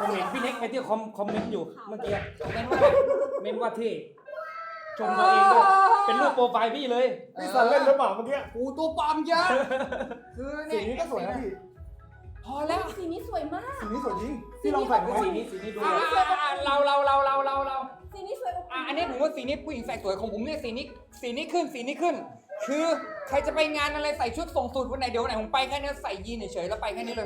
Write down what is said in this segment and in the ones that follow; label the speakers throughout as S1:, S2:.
S1: ผมเห็นพี่เน็กไอ้ที่คอมเมนต์อยู่เมื่อกี้เมนว่าที่ชมตัวเองด้วยเป็นรูปโปรไฟล์พี่เลย
S2: พี่สันเล่นหรือเปล่าเมื่อกี้
S3: กูตัวปลอมเยอะคือ
S2: สี
S3: เนี่ย
S2: นี้ก็สวยนะพี่
S3: พอแล้ว
S4: สีนี้สวยมาก
S2: สีนี้สวยจริงพี่ลองใส่ดูไหม
S1: สีนี้ดู
S3: เรา
S4: สีนี้สวยอบอุ่น
S3: อันนี้ผมว่าสีนี้ผู้หญิงใส่สวยของผมเนี่ยสีนี้ขึ้น คือใครจะไปงานอะไรใส่ชุดส่งสูตรวันไหนเดี๋ยววันไหนผมไปแค่นี้ใส่ยีนเฉยๆแล้วไปแค่นี้เลย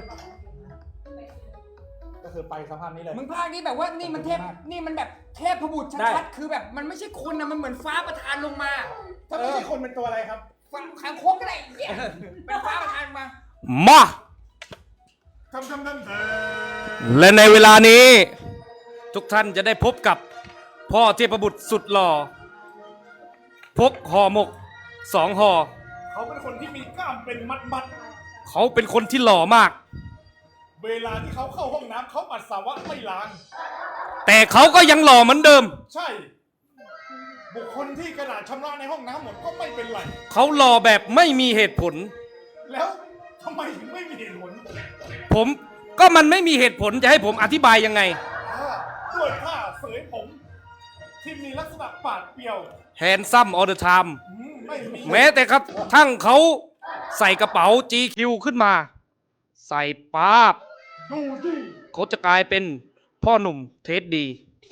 S2: ก็คือไปสภาพนี้เลย
S3: มึงภาคนี้แบบว่านี่มันเทพนี่มันแบบเทพบุตรชัดๆคือแบบมันไม่ใช่คนนะมันเหมือนฟ้าประทานลงมา
S2: ถ้าไม่ใช่คนเป็นตัวอะไรครับ
S3: ฟ้าคางคกอะไรอย่างเงี้ยเป็นฟ้าประทานมา
S1: มา
S2: ทำ
S1: และในเวลานี้ ทุกท่านจะได้พบกับพ่อเทพบุตรสุดหล่อพกห่อหมก2ห่อ
S2: เขาเป็นคนที่มีกล้ามเป็นมัด
S1: เขาเป็นคนที่หล่อมาก
S2: ๆเวลาที่เขาเข้าห้องน้ำเขาปัสสาวะไม่ล้าง
S1: แต่เขาก็ยังหล่อเหมือนเดิม
S2: ใช่ บุคคลที่กระดาษชำระในห้องน้ำหมดก็ไม่เป็นไร
S1: เขาหล่อแบบไม่มีเหตุผล
S2: แล้วทำไมถึงไม่มีเหตุผล
S1: ผมก็มันไม่มีเหตุผลจะให้ผมอธิบายยังไง
S2: ด้วยผ้าเสยผม ที่มีลักษณะปาดเปรียว
S1: handsome all the time
S2: ไม่มี
S1: แม้แต่กระทั่งเขาใส่กระเป๋า GQ ขึ้นมา ใส่ป๊าบ
S2: ดูดิ
S1: เขาจะกลายเป็นพ่อหนุ่มเทสดี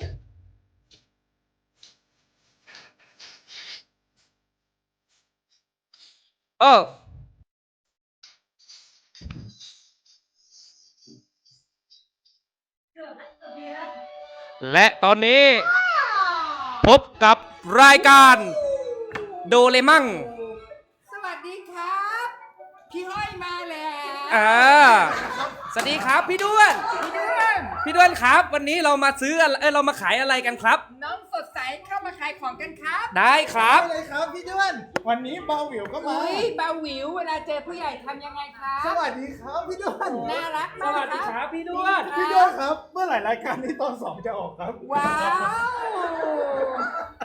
S1: และตอนนี้ พบกับรายการโดเรมั่ง
S3: สวัสดีครับพี่ห้อยมาแล้ว
S1: สวัสดีครับพี่ด้วน พี่ด้วนครับ วันนี้เรามาซื้อเรามาขายอะไรกันครับ
S3: น้องสดใสเข้ามาขายของกันครับ
S1: ได้ครับ
S2: อะไรครับพี่ด้วนวันนี้เบาหวิวก็มา
S3: อุ้ยเบาหวิวเวลาเจอผู้ใหญ่ทำยังไงครับ
S2: สวัสดีครับพี่ด้วน
S3: น่ารัก
S1: ส
S3: มาก
S1: วัสดี
S3: ค
S1: ครับ รับพี่ด้วน
S2: พี่ด้วนครับ เมื่อไหร่รายการนี้ตอน2จะออกครับ
S3: ว้าว